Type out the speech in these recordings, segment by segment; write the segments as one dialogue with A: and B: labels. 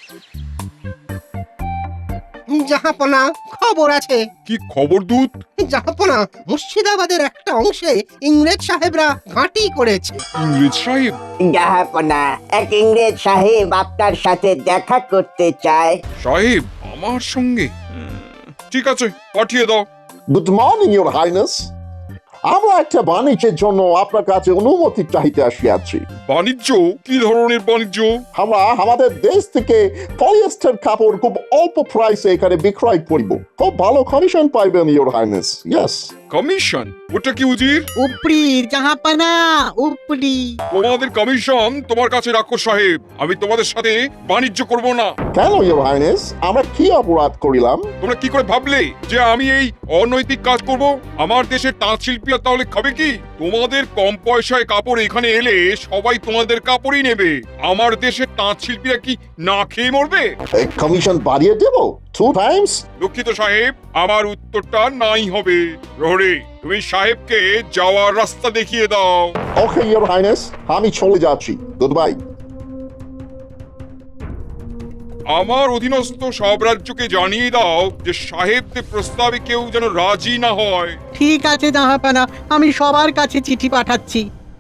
A: জাহাপনা, খবর আছে।
B: কি খবর দূত?
A: জাহাপনা, মুর্শিদাবাদের একটা অংশে ইংরেজ সাহেবরা ঘাঁটি করেছে।
B: ইংরেজ সাহেব?
C: জাহাপনা, এক ইংরেজ সাহেব আপনার সাথে দেখা করতে চায়।
B: সাহেব আমার সঙ্গে? ঠিক আছে, পাঠিয়ে দাও।
D: Good morning your highness. আমরা একটা বাণিজ্যের জন্য আপনার কাছে অনুমতি চাইতে আসিয়াছি।
B: বাণিজ্য? কি ধরনের বাণিজ্য?
D: আমরা আমাদের দেশ থেকে পলিয়েস্টার কাপড় খুব অল্প প্রাইসে এখানে বিক্রয় করিব। খুব ভালো কমিশন পাইবেন ইউর হাইনেস। ইয়েস।
B: কমিশন? ওটা কি উজির?
E: উপরি জাহাপানা, উপরি।
B: তোমাদের কমিশন তোমার কাছে রাখো সাহেব। আমি তোমাদের সাথে বাণিজ্য করব না।
D: কেন ইউর হাইনেস? আমরা কি অপরাধ করিলাম?
B: তোমরা কি করে ভাবলে যে আমি এই অনৈতিক কাজ করব? আমার দেশের তাঁত শিল্পীরা তাহলে খাবে কি? তোমাদের কম পয়সায় কাপড় এখানে এলে সবাই তোমাদের কাপড়ই নেবে। আমার দেশের তাঁত শিল্পীরা কি না খেয়ে মরবে?
D: কমিশন বাড়িয়ে দেব 2 টাইমস?
B: দুঃখিত সাহেব, আমার উত্তরটা নাই হবে। প্রহরী, তুমি সাহেবকে যাওয়ার রাস্তা দেখিয়ে দাও।
D: ওকে ইউর হাইনেস, আমি চলে যাচ্ছি। Good bye.
B: আমার অধীনস্থ সব রাজ্যকে জানিয়ে দাও যে সাহেবদের প্রস্তাবে কেউ যেন রাজি না হয়।
E: ঠিক আছে জাহাপানা, আমি সবার কাছে চিঠি পাঠাচ্ছি।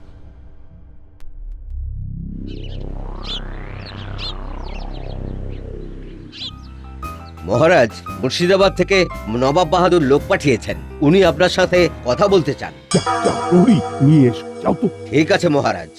F: মহারাজ, মুর্শিদাবাদ থেকে নবাব বাহাদুর লোক পাঠিয়েছেন। উনি আপনার সাথে কথা বলতে চান।
G: নিয়ে এসো, যাও তো।
F: ঠিক আছে মহারাজ।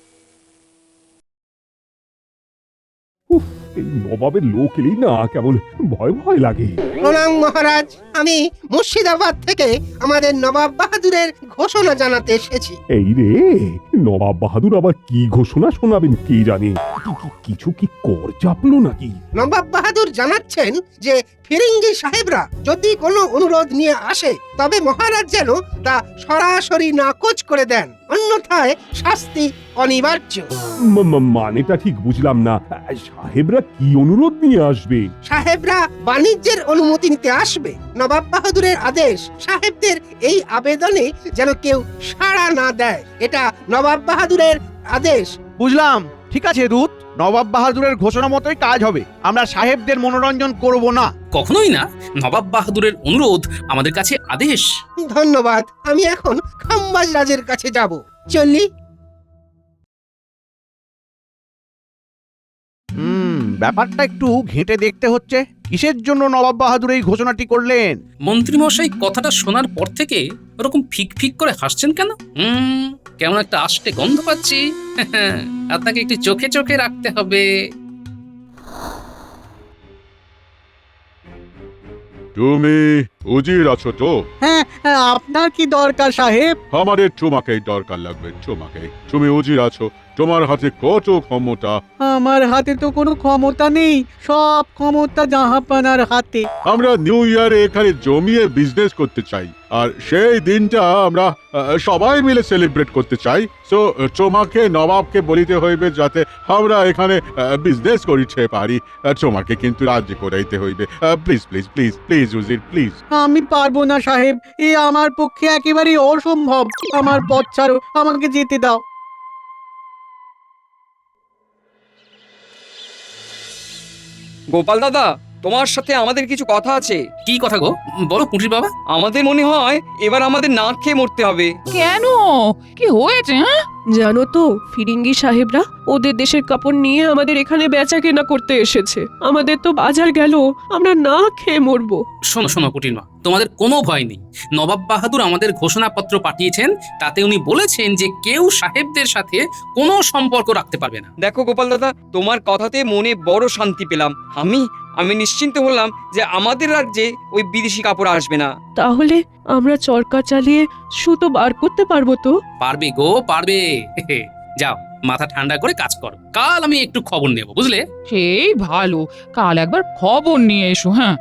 G: এই নবাবের লোক এলেই না কেমন ভয় ভয় লাগে।
A: প্রণাম মহারাজ, আমি মুর্শিদাবাদ থেকে আমাদের নবাব বাহাদুরের ঘোষণা জানাতে এসেছি।
G: এই রে, নবাব বাহাদুর আবার কি ঘোষণা শোনাবেন কে জানে। কিছু কি কর চাপলো নাকি?
A: নবাব বাহাদুর জানাচ্ছেন যে ফিরিঙ্গি সাহেবরা যদি কোনো অনুরোধ নিয়ে আসে তবে মহারাজ যেন তা সরাসরি নাকচ করে দেন, অন্যথায় শাস্তি অনিবার্য।
G: মানেটা ঠিক বুঝলাম না। সাহেবরা কি অনুরোধ নিয়ে আসবে?
A: সাহেবরা বাণিজ্যের অনুমতি নিতে আসবে। নবাব বাহাদুরের আদেশ, সাহেবদের এই আবেদনে যেন কেউ সাড়া না দেয়। এটা নবাব বাহাদুরের আদেশ।
H: বুঝলাম। ঠিক আছে দূত, নবাব বাহাদুরের ঘোষণা মতোই কাজ হবে। আমরা সাহেবদের মনোরঞ্জন করব না।
I: কখনোই না। নবাব বাহাদুরের অনুরোধ আমাদের কাছে আদেশ।
A: ধন্যবাদ। আমি এখন খাম্বাজ রাজের কাছে যাব। চলি।
H: ব্যাপারটা একটু ঘেঁটে দেখতে হচ্ছে। কিসের জন্য নবাব বাহাদুর এই ঘোষণাটি করলেন?
I: মন্ত্রীমশাই কথাটা শোনার পর থেকে ওরকম ফিক ফিক করে হাসছেন কেন? কেমন একটা আষ্টে গন্ধ পাচ্ছি। আপনাকে একটু চোখে চোখে রাখতে হবে।
B: তুমি উজির আছো তো?
E: হ্যাঁ, আপনার কি দরকার সাহেব?
B: আমাদের তোমাকেই দরকার লাগবে, তোমাকে। তুমি উজির আছো, তোমার হাতে কত ক্ষমতা।
E: আমার হাতে তো কোনো ক্ষমতা নেই, সব ক্ষমতা জাহাপানার হাতে।
B: আমরা নিউ ইয়ারে এখানে জমিয়ে বিজনেস করতে চাই, আর সেই দিনটা আমরা সবাই মিলে সেলিব্রেট করতে চাই। সো তোমাকে নবাবকে বলিতে হইবে যাতে আমরা এখানে বিজনেস করিতে পারি। তোমাকে কিন্তু রাজি করাইতে হইবে। প্লিজ প্লিজ প্লিজ প্লিজ উজির, প্লিজ।
E: আমি পারবো না সাহেব, এ আমার পক্ষে একেবারে অসম্ভব। আমার পথ ছাড়ো, আমাকে যেতে দাও।
J: গোপাল দাদা, তোমার সাথে আমাদের কিছু কথা আছে।
I: কি কথা গো? বলো পুঁটির বাবা।
J: আমাদের মনে হয় এবার আমাদের না খেয়ে মরতে হবে।
K: কেন? কি হয়েছে? জানো তো, ফিরিঙ্গি সাহেবরা ওদের দেশের কাপড় নিয়ে আমাদের এখানে বেচা কেনা করতে এসেছে। আমাদের তো বাজার গেল, আমরা না খেয়ে মরবো।
I: শোনো শোনো পুঁটির মা, তোমাদের কোনো ভয় নেই। নবাব বাহাদুর আমাদের ঘোষণাপত্র পাঠিয়েছেন, তাতে উনি বলেছেন যে কেউ সাহেবদের সাথে কোনো সম্পর্ক রাখতে পারবে না।
J: দেখো গোপাল দাদা, তোমার কথাতে মনে বড় শান্তি পেলাম। আমি নিশ্চিন্ত হলাম যে আমাদের রাজ্যে ওই বিদেশি কাপড় আসবে না।
K: তাহলে আমরা চরকা চালিয়ে সুতো বার করতে পারবো তো?
I: পারবে গো, পারবে। যাও, মাথা ঠান্ডা করে কাজ করো। কাল আমি একটু খবর নেব, বুঝলে?
K: সেই ভালো, কাল একবার খবর নিয়ে এসো। হ্যাঁ,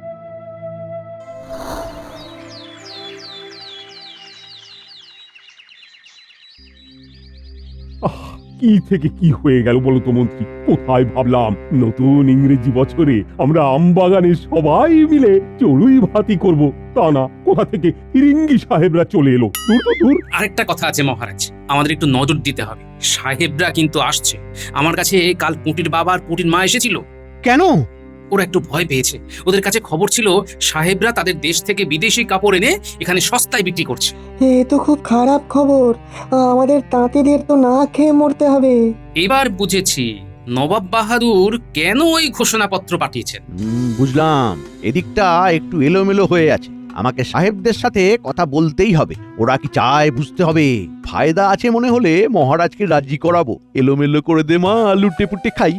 G: কি থেকে কি হয়ে গেল বলো তো মন্ত্রী? কোথায় ভাবলাম নতুন ইংরেজি বছরে আমরা আমবাগানের সবাই মিলে চড়ুই ভাতি করব, তা না, কোথা থেকে ফিরিঙ্গি সাহেবরা চলে এলো। দূর তো দূর।
I: আরেকটা কথা আছে মহারাজ, আমাদের একটু নজর দিতে হবে। সাহেবরা কিন্তু আসছে। আমার কাছে কাল পুঁটির বাবা আর পুঁটির মা এসেছিল।
H: কেন?
I: ওরা একটু ভয় পেয়েছে। ওদের কাছে খবর ছিল সাহেবরা তাদের দেশ থেকে বিদেশি কাপড় এনে এখানে সস্তায় বিক্রি করছে।
E: এ তো খুব খারাপ খবর, আমাদের তাঁতিদের তো না খেয়ে মরতে হবে।
I: এবার বুঝেছি নবাব বাহাদুর কেন ওই ঘোষণাপত্র পাঠিয়েছেন।
H: বুঝলাম, এদিকটা একটু এলোমেলো হয়ে আছে। আমাকে সাহেবদের সাথে কথা বলতেই হবে। ওরা কি চায় বুঝতে হবে। ফায়দা আছে মনে হলে মহারাজকে রাজি করাবো। এলোমেলো করে দে মা, লুটে পুটে খাই।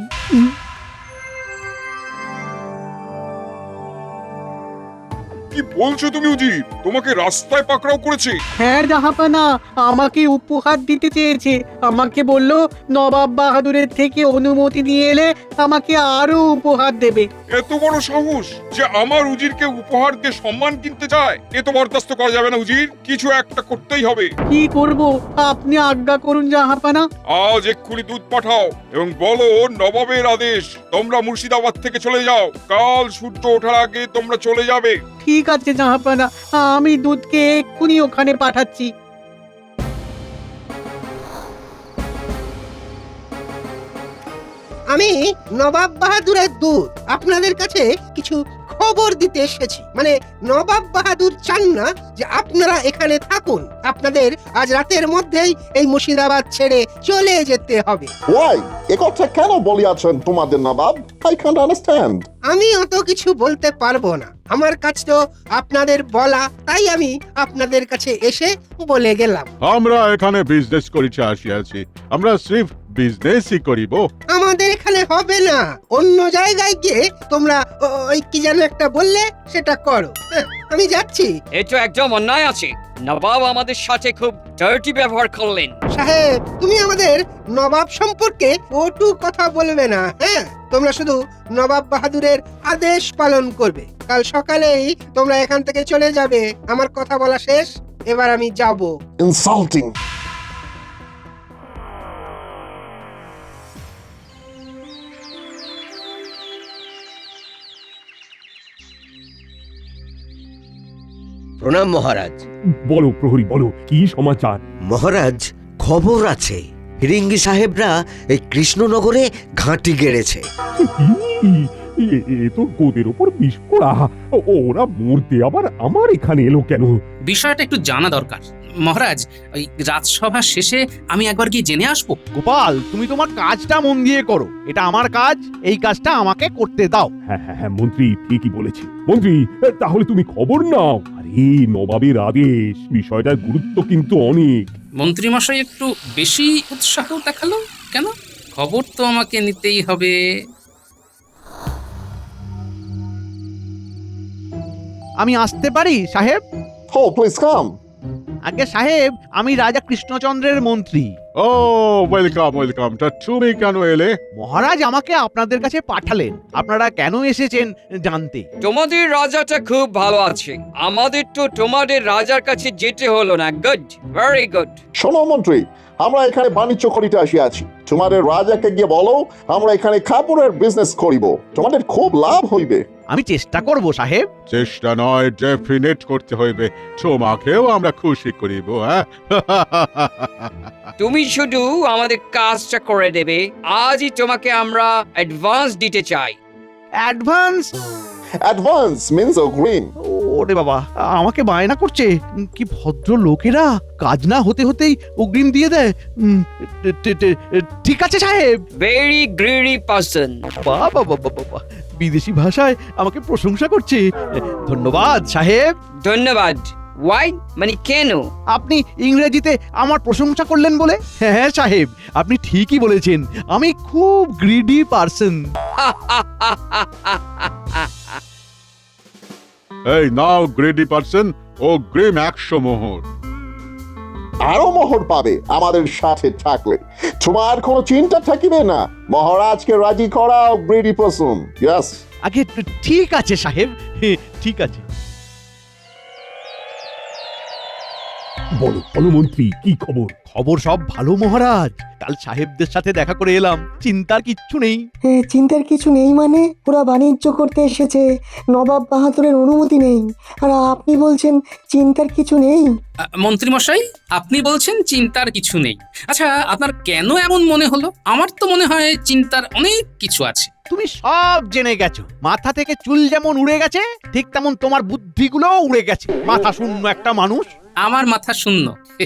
L: কি বলছো তুমি উজির? তোমাকে রাস্তায় পাকড়াও করেছে?
E: হ্যাঁ জাহাপানা, আমাকে উপহার দিতে চেয়েছে। আমাকে বলল নবাব বাহাদুরের থেকে অনুমতি নিয়ে এলে আমাকে আরো উপহার দেবে।
L: এত বড় সাহস যে আমার উজিরকে উপহার দিয়ে সম্মান কিনতে চায়! এ তো বরদাস্ত করা যাবে না উজির, কিছু একটা করতেই হবে।
E: কি করব আপনি আজ্ঞা করুন জাহাপানা।
L: আজ এক্ষুনি দুধ পাঠাও এবং বলো নবাবের আদেশ, তোমরা মুর্শিদাবাদ থেকে চলে যাও। কাল সূর্য ওঠার আগে তোমরা চলে যাবে।
E: ঠিক আছে জাহাপানা, আমি দুধকে এক্ষুনি ওখানে পাঠাচ্ছি।
A: আমি নবাব বাহাদুরের দূত আপনাদের কাছে কিছু খবর দিতে এসেছি। মানে নবাব বাহাদুর চান না যে আপনারা এখানে থাকুন। আপনাদের আজ রাতের মধ্যেই এই মুর্শিদাবাদ ছেড়ে চলে যেতে হবে।
D: ওয়াই এ কথা কেন বলিয়াছেন তোমাদের নবাব? I can't understand.
A: আমি অত কিছু বলতে পারবো না, আমার কাছ তো আপনাদের বলা, তাই আমি আপনাদের কাছে এসে বলে গেলাম।
B: আমরা এখানে বিজনেস করিতে আসিয়াছি, আমরা সির্ফ বিজনেসই করিব।
A: আমাদের এখানে হবে না, অন্য জায়গায় গিয়ে তোমরা ওই কি যেন একটা বললে সেটা করো। হ্যাঁ, আমি যাচ্ছি।
J: এই তো একদম অন্যায় আছে। নবাব আমাদের সাথে খুব ডার্টি ব্যবহার করলেন।
A: সাহেব, তুমি আমাদের নবাব সম্পর্কে ওটু কথা বলবে না। হ্যাঁ, তোমরা শুধু নবাব বাহাদুরের আদেশ পালন করবে। কাল সকালেই তোমরা এখান থেকে চলে যাবে। আমার কথা বলা শেষ, এবার আমি যাব।
D: ইনসাল্টিং।
F: প্রণাম মহারাজ।
G: বলো প্রহরী, বলো কি সমাচার?
F: মহারাজ, খবর আছে ফিরিঙ্গি সাহেবরা এই কৃষ্ণনগরে ঘাঁটি গেড়েছে।
G: এ তো গোদের ওপর বিষ পোড়া। ওরা মরতে আবার আমার এখানে এলো কেন?
I: বিষয়টা একটু জানা দরকার মহারাজ। ওই রাজসভা শেষে আমি একবার গিয়ে জেনে আসবো।
H: গোপাল, তুমি তোমার কাজটা মন দিয়ে করো। এটা আমার কাজ, এই কাজটা আমাকে করতে দাও।
G: হ্যাঁ হ্যাঁ হ্যাঁ, মন্ত্রী ঠিকই বলেছে। মন্ত্রী, তাহলে তুমি খবর নাও। আরে নবাবের আদেশ, বিষয়টার গুরুত্ব কিন্তু অনেক।
I: মন্ত্রী মশাই একটু বেশি উৎসাহ দেখালো কেন? খবর তো আমাকে নিতেই হবে।
H: আমি আসতে পারি সাহেব?
D: Oh, please come.
H: আগে সাহেব, আমি রাজা কৃষ্ণচন্দ্রের মন্ত্রী।
B: ও ওয়েলকাম ওয়েলকাম। তা তুমি কেন এলে?
H: মহারাজ আমাকে আপনাদের কাছে পাঠালেন আপনারা কেন এসেছেন জানতে।
J: তোমাদের রাজাটা খুব ভালো আছে, আমাদের তো তোমাদের রাজার কাছে যেতে হলো না। Good, very good.
D: শোনো মন্ত্রী, আমরা এখানে বাণিজ্য করিতে আসিয়াছি। তোমাদের রাজাকে গিয়ে বলো আমরা এখানে কাপড়ের বিজনেস করিব, তোমাদের খুব লাভ হইবে।
H: আমি চেষ্টা করব সাহেব।
B: চেষ্টা নয়, ডেফিনেট করতে হইবে। তোমাকেও আমরা খুশি করিব। হ্যাঁ,
J: তুমি শুধু আমাদের কাজটা করে দেবে। আজই তোমাকে আমরা অ্যাডভান্স দিতে চাই।
H: অ্যাডভান্স?
D: অ্যাডভান্স মিন্স অগ্রিম।
H: ওরে বাবা, আমাকে বায়না করছে। কি ভদ্র লোকেরা, কাজ না হতে হতেই অগ্রিম দিয়ে দেয়। ঠিক আছে সাহেব।
J: Very greedy person.
H: বাবা বাবা বাবা, বিদেশি ভাষায় আমাকে প্রশংসা করছে। ধন্যবাদ সাহেব।
J: ধন্যবাদ। ওয়াই মানে কেন?
H: আপনি ইংরেজিতে আমার প্রশংসা করলেন বলে। হ্যাঁ সাহেব, আপনি ঠিকই বলেছেন, আমি খুব গ্রিডি পারসন।
B: এই নাও গ্রেডি পারসন, ও গ্রিম 100 মোহর।
D: আরো মোহর পাবে আমাদের সাথে থাকলে। তোমার কোনো চিন্তা থাকিবে না। মহারাজকে রাজি করাও গ্রেডি পারসন। ইয়েস।
H: আগে ঠিক আছে সাহেব, ঠিক আছে।
G: বলো বলো মন্ত্রী, কি খবর?
H: খবর সব ভালো মহারাজ। কাল সাহেবদের সাথে দেখা করে এলাম, চিন্তার কিচ্ছু নেই।
M: চিন্তার কিছু নেই মানে? ওরা বাণিজ্য করতে এসেছে, নবাব বাহাদুরের অনুমতি নেই, আর আপনি বলছেন চিন্তার কিছু নেই?
I: মন্ত্রী মশাই, আপনি বলছেন চিন্তার কিছু নেই। আচ্ছা, আপনার কেন এমন মনে হলো? আমার তো মনে হয় চিন্তার অনেক কিছু আছে।
H: তুমি সব জেনে গেছো। মাথা থেকে চুল যেমন উড়ে গেছে, ঠিক তেমন তোমার বুদ্ধিগুলোও উড়ে গেছে। মাথা শূন্য একটা মানুষ।
I: আমার মাথা শূন্য?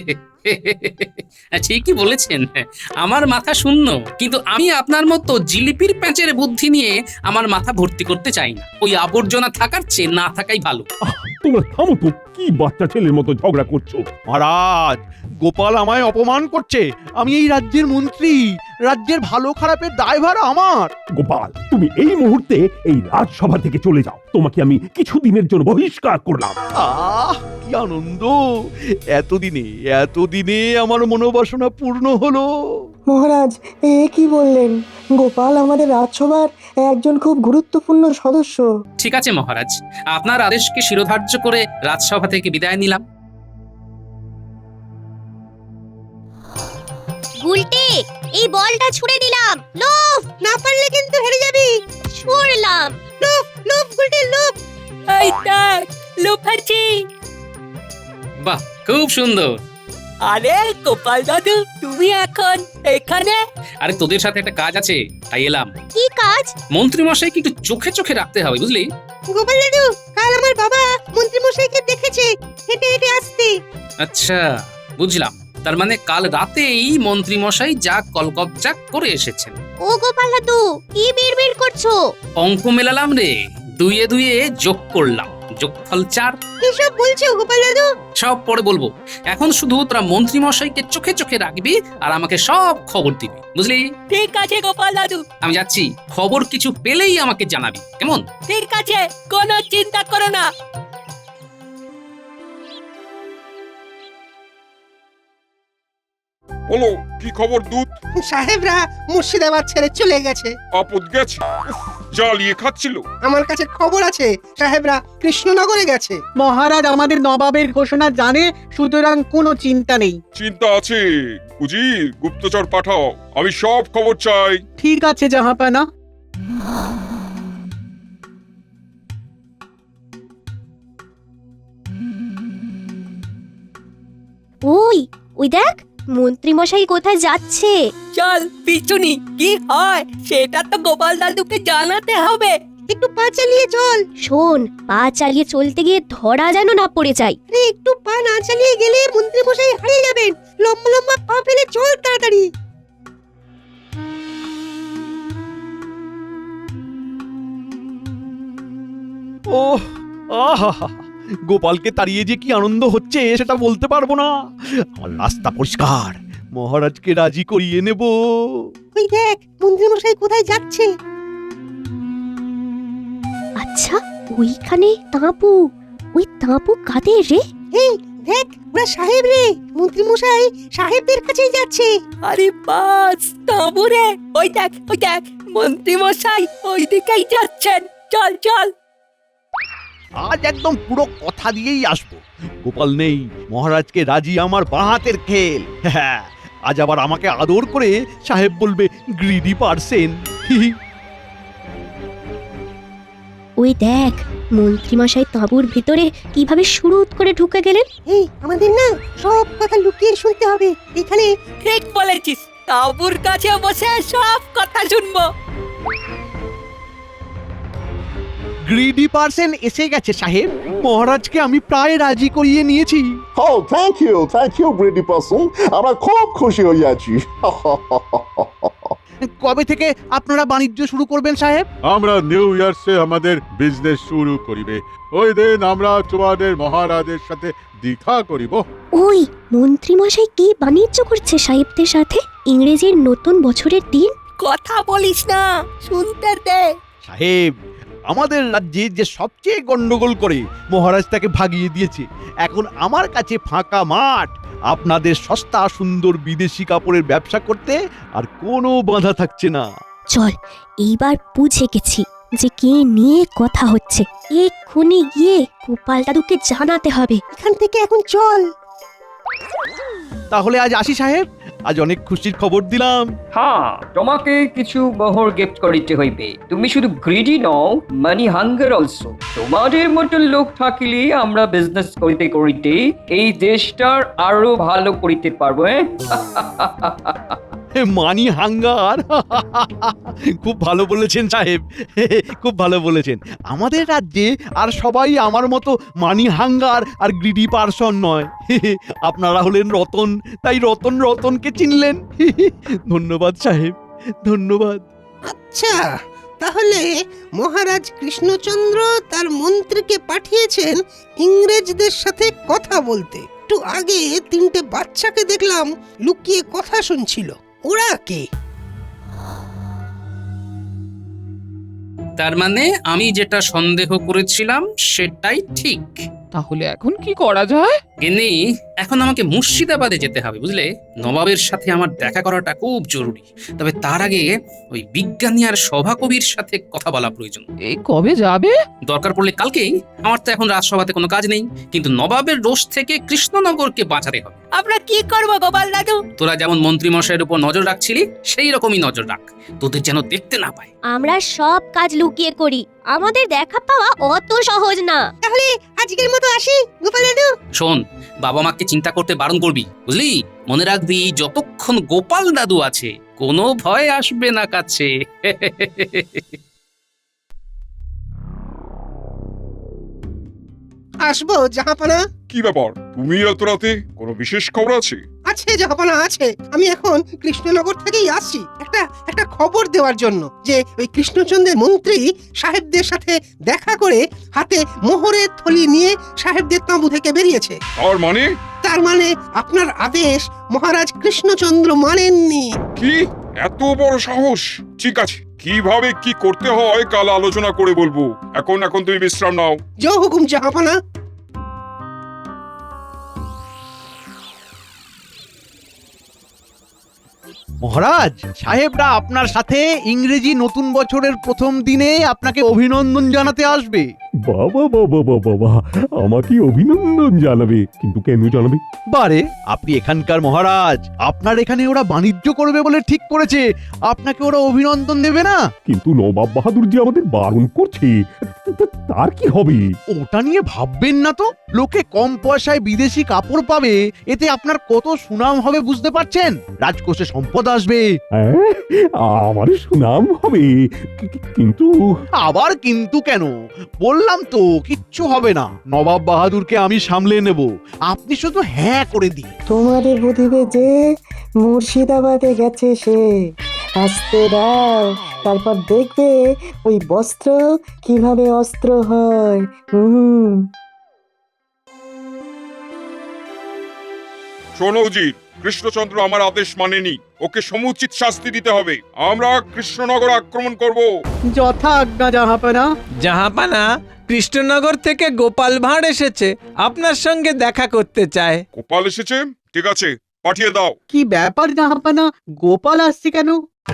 I: ঠিকই বলেছেন, আমার মাথা শূন্য। কিন্তু আমি আপনার মতো জিলিপির প্যাঁচের বুদ্ধি নিয়ে আমার মাথা ভর্তি করতে চাই না। ওই আবর্জনা থাকার চেয়ে না থাকাই ভালো।
G: তোমরা থামো তো, কি বাচ্চা ছেলের মতো ঝগড়া করছো?
H: মহারাজ, গোপাল আমায় অপমান করছে। আমি এই রাজ্যের মন্ত্রী, রাজ্যের ভালো খারাপের দায়ভার আমার।
G: গোপাল, তুমি এই মুহূর্তে এই রাজসভা থেকে চলে যাও। তোমাকে আমি কিছুদিনের জন্য বহিষ্কার করলাম।
H: কি আনন্দ! এতদিনে আমার মনোবাসনা পূর্ণ হলো।
M: মহারাজ, কি বললেন? গোপাল আমাদের রাজসভার একজন খুব গুরুত্বপূর্ণ সদস্য।
I: ঠিক আছে মহারাজ, আপনার আদেশকে শিরোধার্য করে রাজসভা থেকে বিদায় নিলাম।
N: উল্টে এই বলটা ছুঁড়ে দিলাম। লোভ না পারলে কিন্তু হেরে যাবি। ছুঁড়লাম। লোভ লোভ গুলটে লোভ।
K: এই দেখ, লোফাচ্ছি।
I: বাহ, খুব সুন্দর।
K: আরে গোপাল দাদু, তুমি এখন এখানে?
I: আরে তোদের সাথে একটা কাজ আছে, তাই এলাম।
N: কি কাজ?
I: মন্ত্রী মশাইকে একটু চোখে চোখে রাখতে হবে, বুঝলি?
N: গোপাল দাদু, কাল আমার বাবা মন্ত্রী মশাইকে দেখেছে হেঁটে হেঁটে আসতে।
I: আচ্ছা, বুঝলাম। তার মানে কাল রাতেই মন্ত্রী মশাই যা কলকবজা করে এসেছেন।
N: ও গোপাল দাদু, কি বিড়বিড় করছো?
I: অঙ্ক মেলালাম রে, দুইয়ে দুইয়ে যোগ করলাম, যোগফল 4।
N: কি সব বলছো গোপাল দাদু?
I: সব পরে বলবো। এখন শুধু তোরা মন্ত্রী মশাইকে চোখে চোখে রাখবি আর আমাকে সব খবর দিবি, বুঝলি?
K: ঠিক আছে গোপাল দাদু।
I: আমি যাচ্ছি, খবর কিছু পেলেই আমাকে জানাবি, কেমন?
K: ঠিক আছে, কোনো চিন্তা করো না।
L: বলো, কি খবর দূত?
A: সাহেবরা মুর্শিদাবাদ ছেড়ে চলে গেছে।
L: আপদ গেছে? জ্বালিয়ে খাচ্ছিল।
A: আমার কাছে খবর আছে সাহেবরা কৃষ্ণনগরে গেছে।
E: মহারাজ আমাদের নবাবের ঘোষণা জানে, সুতরাং কোনো চিন্তা নেই।
L: চিন্তা আছে। উজির, গুপ্তচর পাঠাও, আমি সব খবর চাই।
E: ঠিক আছে জাহাপানা।
N: ওই ওই দেখ, মন্ত্রী মশাই কোথায় যাচ্ছে।
K: চল পিছুনি, কি হয় সেটা তো গোপাল দাদুকে জানাতে হবে।
N: একটু পা চালিয়ে চল। শোন, পা চালিয়ে চলতে গিয়ে ধরা যেন না পড়ে যায়। আরে একটু পা না চালিয়ে গেলে মন্ত্রী মশাই হারিয়ে যাবেন। লম্বা লম্বা পা ফেলে চল তাড়াতাড়ি।
H: ওহ, আহা! গোপালকে তাড়িয়ে যে কি আনন্দ হচ্ছে সেটা বলতে পারবো না। আমার রাস্তা পরিষ্কার, মহারাজকে রাজি করিয়ে নেব।
N: ওই দেখ, মন্ত্রী মশাই কোথায় যাচ্ছে। আচ্ছা, ওইখানে তাঁবু। ওই তাঁবু কাদের রে? এই দেখ, ওরা সাহেব রে। মন্ত্রী মশাই সাহেবদের কাছেই যাচ্ছে।
K: আরে বাস, তাঁবু রে। ওই দেখ, মন্ত্রী মশাই ওই দিকেই যাচ্ছেন। চল চল।
H: আজ একদম পুরো কথা দিয়েই আসবো। গোপাল নেই, মহারাজকে রাজি আমার বাঁ হাতের খেল। হ্যাঁ, আজ আবার আমাকে আদর করে সাহেব বলবে গ্রিডি পারসেন।
N: ওই দেখ, মন্ত্রী মশাই তাঁবুর ভিতরে কিভাবে শুরুত করে ঢুকে গেলেন। এই, আমাদের না সব কথা লুকিয়ে শুনতে হবে। এখানে
K: ঠিক বলেছিস, তাঁবুর কাছে বসে সব কথা শুনবো।
H: গ্রিডি পারসেন এসে গেছে সাহেব। মহারাজকে আমি প্রায় রাজি করিয়ে নিয়েছি।
D: Oh, thank you, Brady person. আমরা খুব খুশি হয়ে আছি।
H: কবে থেকে আপনারা বাণিজ্য শুরু করবেন সাহেব?
B: আমরা নিউ ইয়ার্সে আমাদের বিজনেস শুরু করিবে। ওই দিন আমরা তোমাদের মহারাজের সাথে দেখা করিব।
N: ওই মন্ত্রী মশাই কি বাণিজ্য করছে সাহেবদের সাথে? ইংরেজির নতুন বছরের দিন।
K: কথা বলিস না, শুনতে দে।
H: সাহেব, আমাদের রাজ্যে যে সবচেয়ে গন্ডগোল করে মহারাজ তাকে ভাগিয়ে দিয়েছে। এখন আমার কাছে ফাঁকা মাঠ। আপনাদের সস্তা সুন্দর বিদেশি কাপড়ের ব্যবসা করতে আর কোনো বাধা থাকছে না।
N: চল, এইবার বুঝে গেছি যে কে নিয়ে কথা হচ্ছে। এক্ষুনি গিয়ে গোপাল দাদুকে জানাতে হবে। এখান থেকে এখন চল।
H: তাহলে আজ আসি সাহেব, আজ অনেক খুশির খবর দিলাম।
J: হ্যাঁ, তোমাকে কিছু মোহর গিফট করিতে হইবে। তুমি শুধু গ্রিডি নও, মানি হাঙ্গার অলসো। তোমাদের মতো লোক থাকিলে আমরা বিজনেস করিতে করিতে এই দেশটার আরো ভালো করিতে পারবো।
H: মানি হাঙ্গার খুব ভালো বলেছেন সাহেব, খুব ভালো বলেছেন। আমাদের রাজ্যে আর সবাই আমার মতো মানি হাঙ্গার আর গ্রিডি পারসন নয়। আপনারা হলেন রতন, তাই রতন রতনকে চিনলেন। ধন্যবাদ সাহেব, ধন্যবাদ।
A: আচ্ছা, তাহলে মহারাজ কৃষ্ণচন্দ্র তার মন্ত্রীকে পাঠিয়েছেন ইংরেজদের সাথে কথা বলতে। একটু আগে 3টে বাচ্চাকে দেখলাম লুকিয়ে কথা শুনছিল। ওরা কে?
I: তার মানে আমি যেটা সন্দেহ করেছিলাম সেটাই ঠিক।
K: তাহলে এখন কি করা যায়?
I: গিন্নি, এখন আমাকে মুর্শিদাবাদে যেতে হবে, বুঝলে? নবাবের সাথে আমার দেখা করাটা খুব জরুরি। তবে তার আগে ওই বিজ্ঞানী আর সভাকবির সাথে কথা বলা প্রয়োজন।
K: এই কবে যাবে?
I: দরকার পড়লে কালকেই। আমার তো এখন রাজসভাতে কোনো কাজ নেই, কিন্তু নবাবের রোষ থেকে কৃষ্ণনগরকে বাঁচাতে হবে।
N: আমরা কি করব গোপাল দাদু?
I: তোরা যেমন মন্ত্রী মশাইয়ের উপর নজর রাখছিলি, সেই রকমই নজর রাখ, তোদের যেন দেখতে না পায়।
N: আমরা সব কাজ লুকিয়ে করি, আমাদের দেখা পাওয়া অত সহজ না। তাহলে আজকের মতো আসি গোপাল দাদু।
I: শোন, বাবা মাকে চিন্তা করতে বারণ করবি, বুঝলি? মনে রাখবি, যতক্ষণ গোপাল দাদু আছে কোনো ভয় আসবে না কাছে।
A: আসবো জাহাপানা।
L: কি ব্যাপার, তুমি এত রাতে? কোনো বিশেষ খবর আছে?
A: আছে জাহাপানা, আছে। আমি এখন কৃষ্ণনগর থেকেই আসছি একটা খবর দেওয়ার জন্য, যে ওই কৃষ্ণচন্দ্রের মন্ত্রী সাহেবদের সাথে দেখা করে হাতে মোহরের থলি নিয়ে সাহেবদের তাঁবু থেকে বেরিয়েছে।
L: তার মানে
A: আপনার আদেশ মহারাজ কৃষ্ণচন্দ্র মানেননি।
L: কি এত বড় সাহস? ঠিক আছে, কিভাবে কি করতে হয় কাল আলোচনা করে বলবো। এখন তুমি বিশ্রাম নাও।
A: জয় হুকুম জাহাপানা।
H: মহারাজ, সাহেবরা আপনার সাথে ইংরেজি নতুন বছরের প্রথম দিনে আপনাকে অভিনন্দন জানাতে আসবে।
G: বাবা বাবা বাবা বাবা, আমাকে অভিনন্দন জানাবে? কিন্তু কেন জানাবে?
H: বারে, আপনি এখানকার মহারাজ, আপনার এখানে ওরা বাণিজ্য করবে বলে ঠিক করেছে, আপনাকে ওরা অভিনন্দন দেবে না?
G: কিন্তু নবাব বাহাদুর যে আমাদের বারণ করছে, তার কি হবে?
H: ওটা নিয়ে ভাববেন না তো। লোকে কম পয়সায় বিদেশি কাপড় পাবে, এতে আপনার কত সুনাম হবে বুঝতে পারছেন? রাজকোষে সম্পদ আসবে।
G: আমার সুনাম হবে, কিন্তু
H: আবার কিন্তু কেন? বললাম তো কিচ্ছু হবে না, নবাব বাহাদুরকে আমি সামলে নেব, আপনি শুধু হ্যাঁ করে দিন।
M: তোমাদের বুঝিবে যে মুর্শিদাবাদে গেছে সে, আসতে দাও, তারপর দেখবে ওই বস্ত্র কিভাবে অস্ত্র হয়।
L: শোনো উজির, কৃষ্ণচন্দ্র আমার আদেশ মানেনি, ওকে সমুচিত শাস্তি দিতে হবে। আমরা কৃষ্ণনগর আক্রমণ করব।
E: যথা আজ্ঞা জাহাপানা।
O: জাহাপানা, কৃষ্ণনগর থেকে গোপাল ভাঁড় এসেছে, আপনার সঙ্গে দেখা করতে চায়।
L: গোপাল এসেছে? ঠিক আছে, পাঠিয়ে দাও।
E: কি ব্যাপার জাহাপানা, গোপাল আসছে কেন?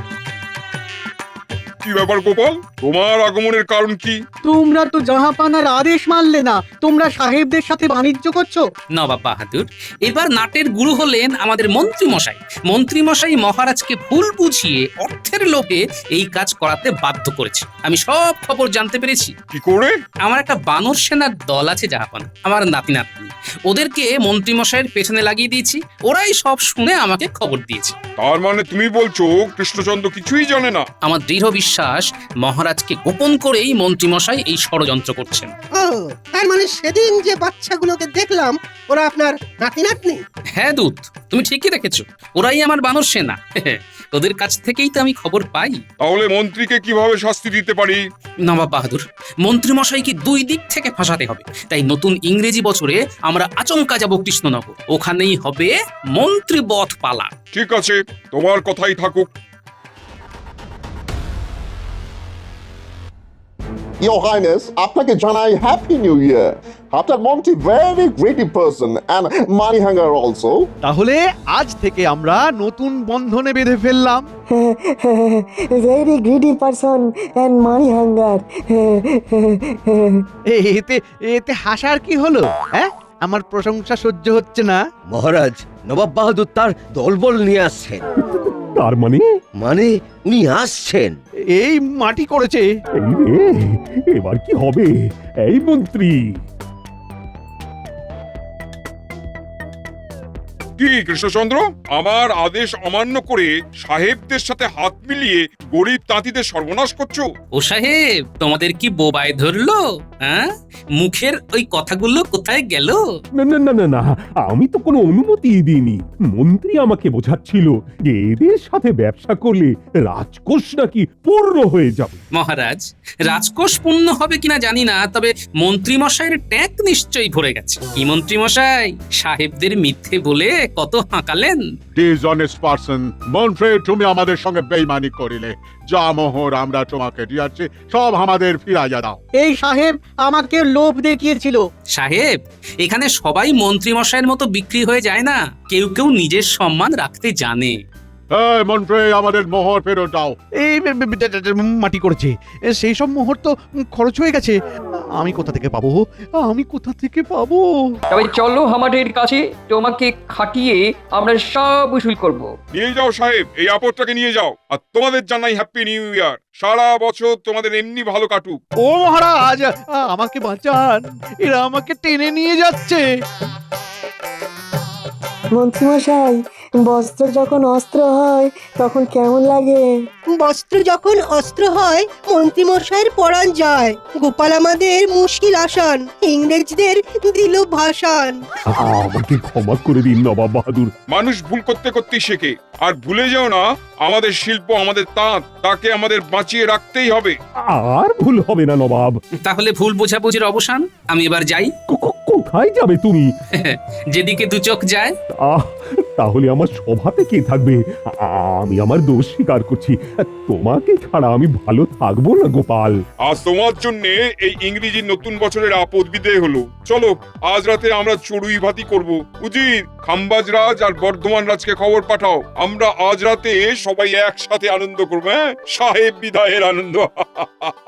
L: কি ব্যাপার গোপাল, তোমার আগমনের কারণ কি?
E: তোমরা তো জাহাপানার আদেশ মানলে না, তোমরা সাহেবদের সাথে বাণিজ্য করছো।
I: নবাব বাহাদুর, এবার নাটের গুরু হলেন আমাদের মন্ত্রী মশাই। মন্ত্রী মশাই মহারাজকে ভুল বুঝিয়ে অর্থের লোভে এই কাজ করাতে বাধ্য করেছে। আমি সব খবর জানতে পেরেছি।
L: কি করে?
I: আমার একটা বানর সেনার দল আছে জাহাপানা, আমার নাতি নাতনি, ওদেরকে মন্ত্রী মশাইয়ের পেছনে লাগিয়ে দিয়েছি, ওরাই সব শুনে আমাকে খবর দিয়েছে।
L: তার মানে তুমি বলছো কৃষ্ণচন্দ্র কিছুই জানে না?
I: আমার দৃঢ় বিশ্বাস, মহারাজকে গোপন করেই মন্ত্রী মশাই এই ষড়যন্ত্র করছেন।
A: ও, তার মানে সেদিন যে বাচ্চাগুলোকে দেখলাম ওরা আপনার নাতি নাতনি?
I: হ্যাঁ দূত, তুমি ঠিকই দেখেছো, ওরাই আমার বানর সেনা। তোদের কাছ থেকেই তো আমি খবর পাই।
L: তাহলে মন্ত্রীকে কিভাবে শাস্তি দিতে পারি?
I: নবাব বাহাদুর, মন্ত্রী মশাইকে 2 দিক থেকে ফাঁসাতে হবে। তাই নতুন ইংরেজি বছরে আমরা আচমকা যাব কৃষ্ণনগর, ওখানেই হবে মন্ত্রী বধ পালা।
L: ঠিক আছে, তোমার কথাই থাকুক।
D: Your Highness, আপনাকে জানাই হ্যাপি নিউ ইয়ার। আপনার মন্ত্রী very greedy person and money hunger also.
H: তাহলে আজ থেকে আমরা নতুন বন্ধনে বেঁধে ফেললাম।
M: Very greedy person and money hunger.
H: এতে হাসার কি হলো? হ্যাঁ, আমার প্রশংসা সহ্য হচ্ছে না।
F: মহারাজ, নবাব বাহাদুর তার দলবল নিয়ে আসছেন।
G: তার মানে
F: মানে উনি আসছেন।
H: এই মাটি করেছে।
G: এই রে, এবার কি হবে? এই মন্ত্রী,
L: কি কৃষ্ণচন্দ্র, আমার আদেশ অমান্য করে সাহেবদের সাথে হাত মিলিয়ে গরিব তাঁতিদের সর্বনাশ করছো?
I: ও সাহেব, তোমাদের কি বোবায় ধরলো? হ্যাঁ, মুখের ওই কথাগুলো কোথায় গেল?
G: না না না না না, আমি তো কোনো অনুমতি দিইনি। মন্ত্রী আমাকে বোঝাচ্ছিল যে এদের সাথে ব্যবসা করলে রাজকোষ নাকি পূর্ণ হয়ে যাবে।
I: মহারাজ, রাজকোষ পূর্ণ হবে কিনা জানি না, তবে মন্ত্রী মশাইয়ের ট্যাঙ্ক নিশ্চয়ই ভরে গেছে। কি মন্ত্রী মশাই, সাহেবদের মিথ্যে বলে কত হাঁকালেন।
B: ডিসঅনেস্ট পারসন, মন্ত্রী তুমি আমাদের সঙ্গে বেইমানি করিলে। যা মোহর আমরা তোমাকে দিয়েছি সব আমাদের ফিরাইয়া দাও।
E: এই সাহেব আমাকে লোভ দেখিয়েছিল।
I: সাহেব, এখানে সবাই মন্ত্রী মশাইয়ের মতো বিক্রি হয়ে যায় না, কেউ কেউ নিজের সম্মান রাখতে জানে।
B: এই মন্ত্রী, আমাদের মোহর ফেরত দাও।
H: এই মাটি করেছে, সেই সব মোহর তো খরচ হয়ে গেছে। আমি কোথা থেকে পাবো? আমি কোথা থেকে পাবো?
J: তবে চলো আমাদের কাছে, তোমাকে খাটিয়ে আমরা সব উসুল করব।
L: নিয়ে যাও সাহেব, এই আপদটাকে নিয়ে যাও। আর তোমাদের জানাই হ্যাপি নিউ ইয়ার। সারা বছর তোমাদের এমনি ভালো কাটুক।
H: ও মহারাজ, আমাকে বাঁচান, এরা আমাকে টেনে নিয়ে যাচ্ছে।
M: মন্ত্রীমশাই, বস্ত্র যখন অস্ত্র হয় তখন কেমন লাগে?
A: বস্ত্র যখন অস্ত্র হয় মন্ত্রীমশাইয়ের পরাণ যায়। গোপাল আমাদের মুশকিল আসান, ইংরেজদের দিল ভাসান।
G: আমাকে ক্ষমা করে দিন নবাব বাহাদুর।
L: মানুষ ভুল করতে করতেই শেখে। আর ভুলে যাও না, আমাদের শিল্প, আমাদের তাঁত, তাকে আমাদের বাঁচিয়ে রাখতেই হবে।
G: আর ভুল হবে না নবাব।
I: তাহলে ভুল বোঝাবুঝির অবসান। আমি এবার যাই।
G: কোথায় যাবে তুমি?
I: যেদিকে দু চোখ যায়।
G: তাহলে আমার সভাতে কে থাকবে? আমি আমার দোষ স্বীকার করছি। তোমাকে ছাড়া আমি ভালো থাকবো না গোপাল।
L: আজ তোমার জন্য এই ইংরেজি নতুন বছরের আপদ বিদেয় হলো। চলো, আজ রাতে আমরা চড়ুই ভাতি করব। উজির, খাম্বাজ রাজ আর বর্ধমান রাজকে খবর পাঠাও। আমরা আজ রাতে সবাই একসাথে আনন্দ করবো। হ্যাঁ, সাহেব বিদায়ের আনন্দ।